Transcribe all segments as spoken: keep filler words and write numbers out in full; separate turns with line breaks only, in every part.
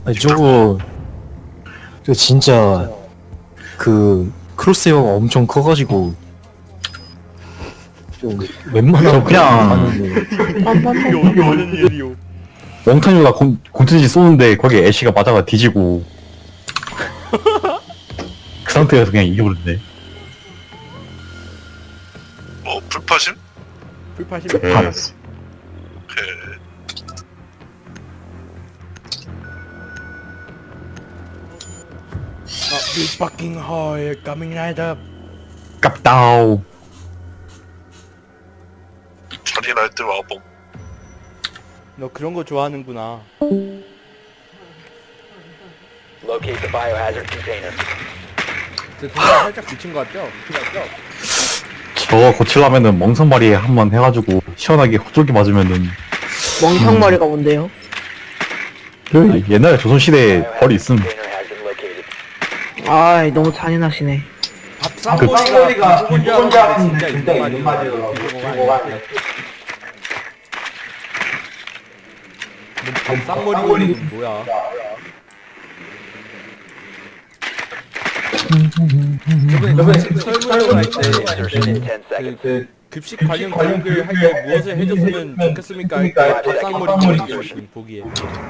아니 저거 저 진짜 그 크로스웨어가 엄청 커가지고 좀 웬만하면
그냥-
하는데
이게 어디 하는 일이요?
멍탄이가 공투지 쏘는데 거기에 애쉬가 맞아가 뒤지고 그 상태에서 그냥 이겨버렸네.
뭐 불파심?
불파심.
네.
그
아, big fucking hole coming right up.
깝다우.
잔인할 때 와봄.
너 그런 거 좋아하는구나.
Locate the biohazard container.
저 동작 살짝 미친 거 같죠?
저거 고치려면은 멍석머리에 한번 해가지고 시원하게 호쪽이 맞으면은
멍청머리가 뭔데요?
그 옛날에 조선시대에 벌이 있음.
Container has been located.
아이 너무 잔인하시네.
밥상머리가 누군 줄 알았는데 진짜 있는 말이더라고. 밥상머리는 뭐야? 저번에 저번에 설문조사
Insertion in ten
할때
seconds.
그 급식 관련 교육을 할 때 무엇을 해줬으면 좋겠습니까? 할 때 밥상머리 찍었음 보기에.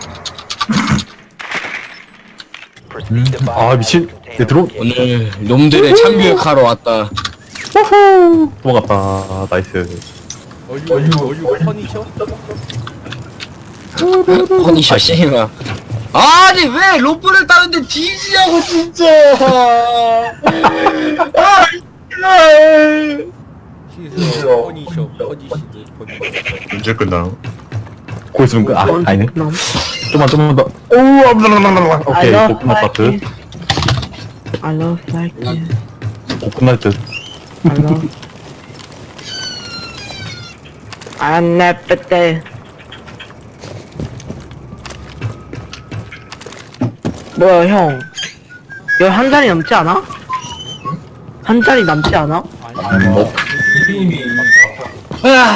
Proceed to
아 미친. 내 들어
container.
오늘 놈들의 참교육하러 왔다.
도망갔다. 나이스.
어유 어유 어유 퍼니셔?
허니셔 씨마. 아니 왜 로프를 따는데 뒤지냐고 진짜. 아,
시서 퍼니셔 퍼니시드 퍼니.
언제 끝나요?
고 있으면 그, 아 아니네.
그럼.
좀만 좀만 더. 오, 아블라블라블라.
I
오케이,
love
곧 끝났다 듯.
like it. I love like it.
곧 끝날 듯.
I love. I'm never there. 뭐야 형? 여기 한 잔이 넘지 않아? 한 잔이 남지 않아?
아니
뭐.
아,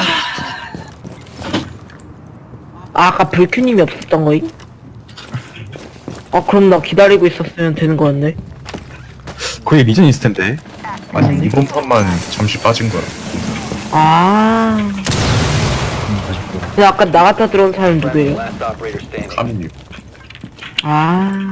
아까 불큐님이 없었던 거임? 아 그럼 나 기다리고 있었으면 되는 거였네.
거기 리전 있을 텐데.
아니 이번 판만 잠시 빠진 거야.
아. 근데 아까 나갔다 들어온 사람 누구예요?
Last operator standing.
카미님.
아.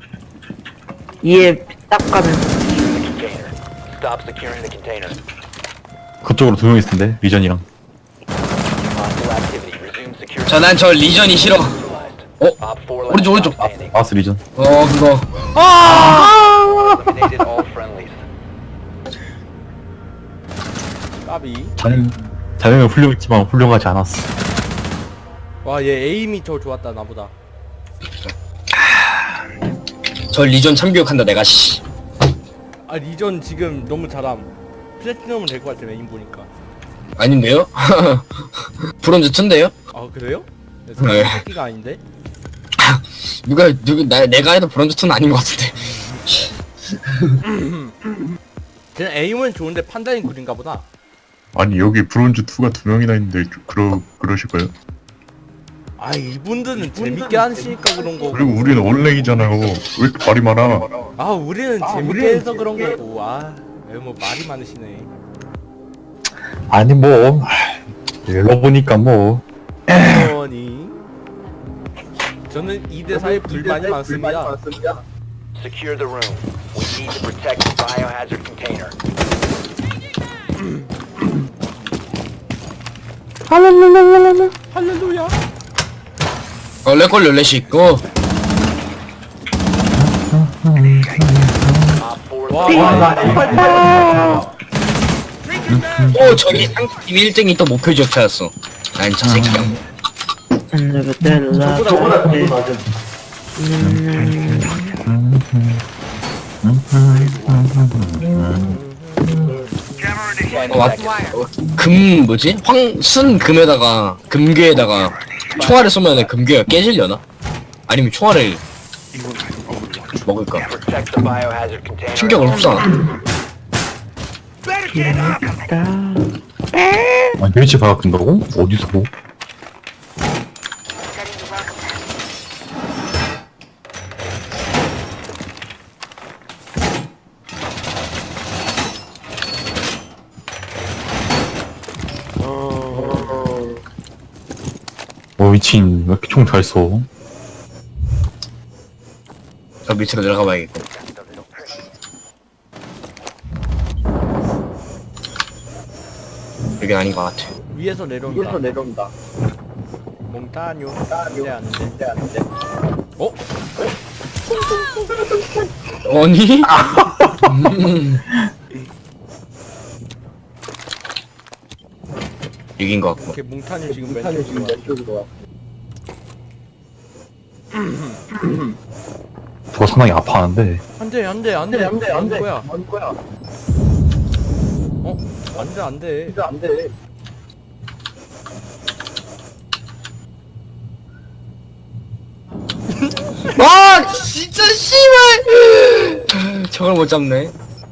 이해 딱 가면.
Secure the container. Stop securing the container.
그쪽으로 두 명 있을 텐데. 리전이랑.
Hostile activity. Resume security.
저난 저 리전이 싫어. 어?
Op four last
오른쪽 오른쪽.
stop standing.
아스 리전.
어 그거.
Eliminated all friendlies.
까비.
자네 자네는 훌륭했지만 훌륭하지 않았어.
와 얘 에임이 더 좋았다 나보다.
저 리전 참교육한다 내가 씨.
아 리전 지금 너무 잘함. 플래티넘은 될 것 같아 에임 보니까.
아닌데요? 브론즈 투인데요?
아 그래요?
네.
새끼가 아닌데?
누가 누구 나 내가 해도 브론즈 투는 아닌 것 같은데.
그냥 에임은 좋은데 판단이 구린가 보다.
아니 여기 브론즈 투가 두 명이나 있는데 그러 그러실 거예요?
아 이분들은 재밌게 하시니까 그런 거고.
그리고 우리는 원랭이잖아요. 왜 이렇게 말이 많아?
아 우리는 재밌게 해서 그런 거고. 아뭐 말이 많으시네.
아니 뭐 열어보니까 뭐.
어니. 저는 이 대 사에 불만이 많습니다.
Secure the room. We need to protect the biohazard container.
할랄랄랄랄랄.
할렐루야.
어 레콜 열렛이 있고.
Op four
와,
eliminated.
와,
어 저기 상팀 일 등이 또 목표 지역차였어. 난 저 새끼야.
안내가 때라.
저보다
Ten
어, 맞,
seconds.
어, 금 뭐지? 황순 금에다가 금괴에다가 총알을 쏘면 금괴가 깨질려나? 아니면 총알을 먹을까?
Protect the biohazard container.
충격을 흡수하나?
아 멸치 박아끈다고? 어디서 뭐? 어 미친 왜 이렇게 총 잘 쏘?
저 밑으로 내려가 봐야겠고. 여기 아닌 것 같아.
위에서 내려온다. 위에서 내려온다. 몽타뉴. 안돼 안돼 안돼. 어?
아니? 음. 여긴 것 같고.
오케이 몽타뉴 지금 왼쪽으로 와.
저거 상당히 아파하는데.
안돼 안돼 안돼 안돼 안돼 거야. 안 거야. 어? 안돼 안돼. 안돼.
아 진짜 씨발. 저걸 못 잡네.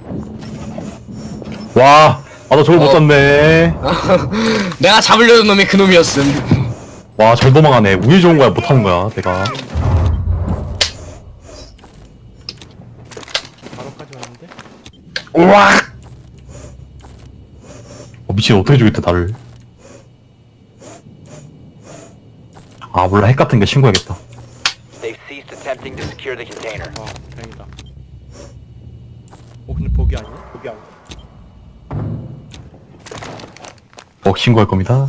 와, 아 나 저걸 못
어.
잡네.
내가 잡으려던 놈이 그 놈이었음.
와, 잘 도망가네. 운이 좋은 거야, 못하는 거야, 내가.
바로까지 왔는데?
우와. 어, 미친 어떻게 죽였대 나를. 아 몰라, 핵 같은 게 신고해야겠다.
They've ceased attempting to secure the container.
아 다행이다. 어 근데 버기 아니야? 버기 아니야?
어, 신고할 겁니다.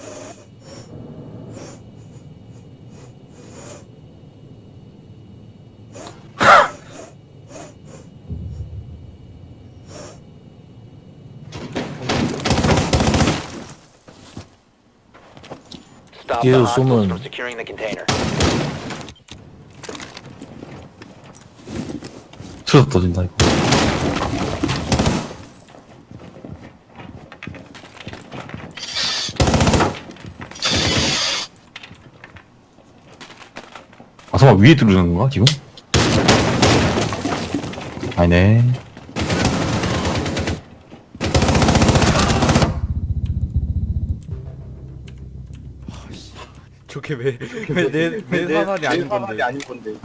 Stop the
얘도
hostiles
쏘면-
from securing the container.
틀어서 떠진다 이거. 아 설마 위에 들어오는 건가 지금? 아니네.
저게 왜왜내내 사살이 아닌 건데? 아닌 건데.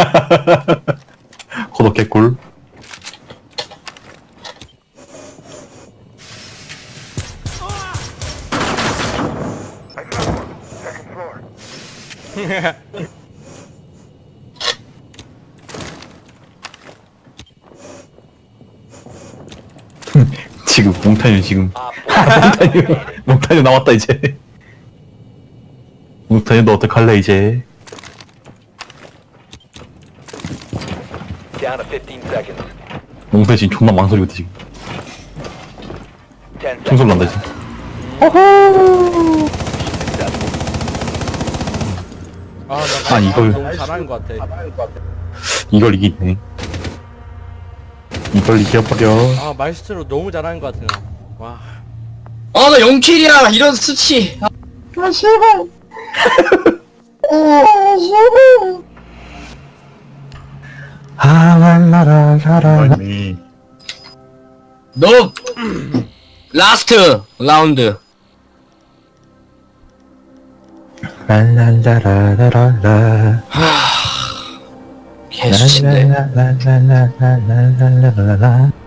고독 개꿀. 지금 몽타뉴 지금
Op four
몽타뉴 몽타뉴 나왔다 이제. 몽타뉴 너 어떡할래 이제.
down to fifteen seconds.
몽타뉴 지금 존나 망설이거든 지금.
ten
총소리
seconds.
난다 지금.
아나
아, 이걸-
너무 잘하는 것 같아.
이걸 이기네. 이걸 이겨버려.
아 마이스트로 너무 잘하는 것 같아 나. 와.
아 나 영 킬이야 이런 수치. 아 씨발.
하랄라라라라.
아니
너 라스트 라운드.
랄랄라라라라.
개수치인데.
랄랄라라라라라라라라.